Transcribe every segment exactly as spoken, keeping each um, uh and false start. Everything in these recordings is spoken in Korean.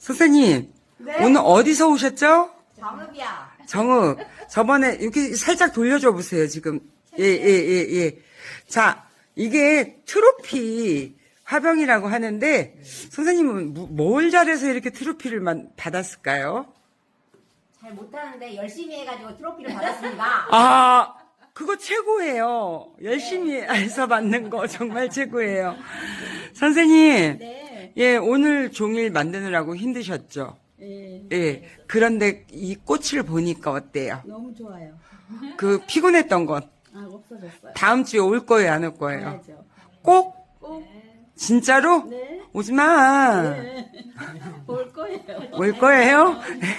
선생님, 네? 오늘 어디서 오셨죠? 정읍이야. 정읍. 저번에 이렇게 살짝 돌려줘 보세요, 지금. 예, 예, 예, 예. 자, 이게 트로피 화병이라고 하는데, 선생님은 뭐- 뭘 잘해서 이렇게 트로피를 만- 받았을까요? 잘 못하는데 열심히 해가지고 트로피를 받았습니다. 아, 그거 최고예요. 열심히 해서 받는 거 정말 최고예요. 선생님, 네. 예, 오늘 종일 만드느라고 힘드셨죠? 예. 예. 그런데 이 꽃을 보니까 어때요? 너무 좋아요. 그 피곤했던 것 아, 없어졌어요. 다음 주에 올 거예요, 안 올 거예요? 가야죠. 꼭? 꼭. 진짜로? 네. 오지 마. 네. 올 거예요. 올 거예요?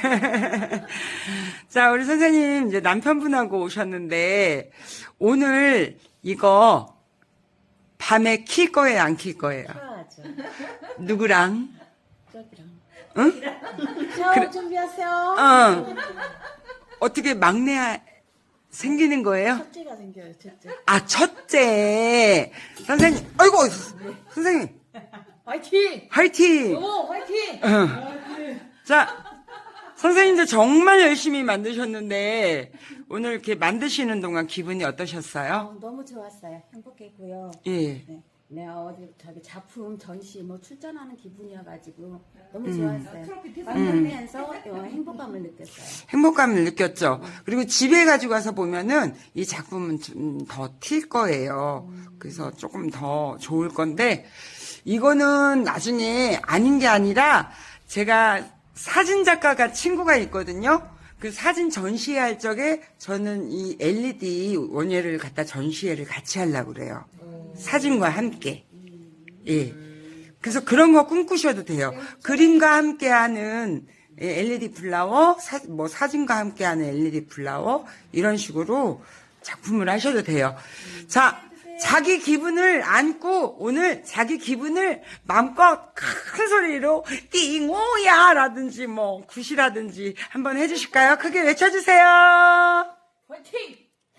자, 우리 선생님 이제 남편분하고 오셨는데 오늘 이거 밤에 킬 거예요, 안 킬 거예요? 좋아하죠. 누구랑? 저기랑. 응? 샤워 그래. 준비하세요. 어. 어떻게 막내 생기는 거예요? 첫째가 생겨요, 첫째. 아, 첫째. 선생님, 아이고, 선생님, 화이팅! 화이팅! 오, 화이팅! 자, 선생님들 정말 열심히 만드셨는데, 오늘 이렇게 만드시는 동안 기분이 어떠셨어요? 어, 너무 좋았어요. 행복했고요. 예. 네. 내가 어디 저기 작품 전시 뭐 출전하는 기분이어가지고 너무 음. 좋았어요. 만들면서 어, 행복감을 느꼈어요. 행복감을 느꼈죠. 그리고 집에 가지고 와서 보면은 이 작품은 좀 더 튈 거예요. 그래서 조금 더 좋을 건데, 이거는 나중에 아닌 게 아니라 제가 사진 작가가 친구가 있거든요. 그 사진 전시회 적에 저는 이 엘이디 원예를 갖다 전시회를 같이 하려고 그래요. 사진과 함께. 예. 그래서 그런 거 꿈꾸셔도 돼요. 그림과 함께하는 엘이디 플라워, 사, 뭐 사진과 함께하는 엘이디 플라워 이런 식으로 작품을 하셔도 돼요. 자, 자기 기분을 안고 오늘 자기 기분을 마음껏 큰 소리로 띵오야 라든지 뭐 굿이라든지 한번 해주실까요? 크게 외쳐주세요. 화이팅!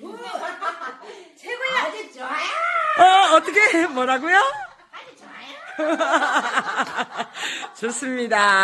최고야. 아주 좋아요. 어, 어떻게 뭐라고요? 아주 좋아요. 좋습니다.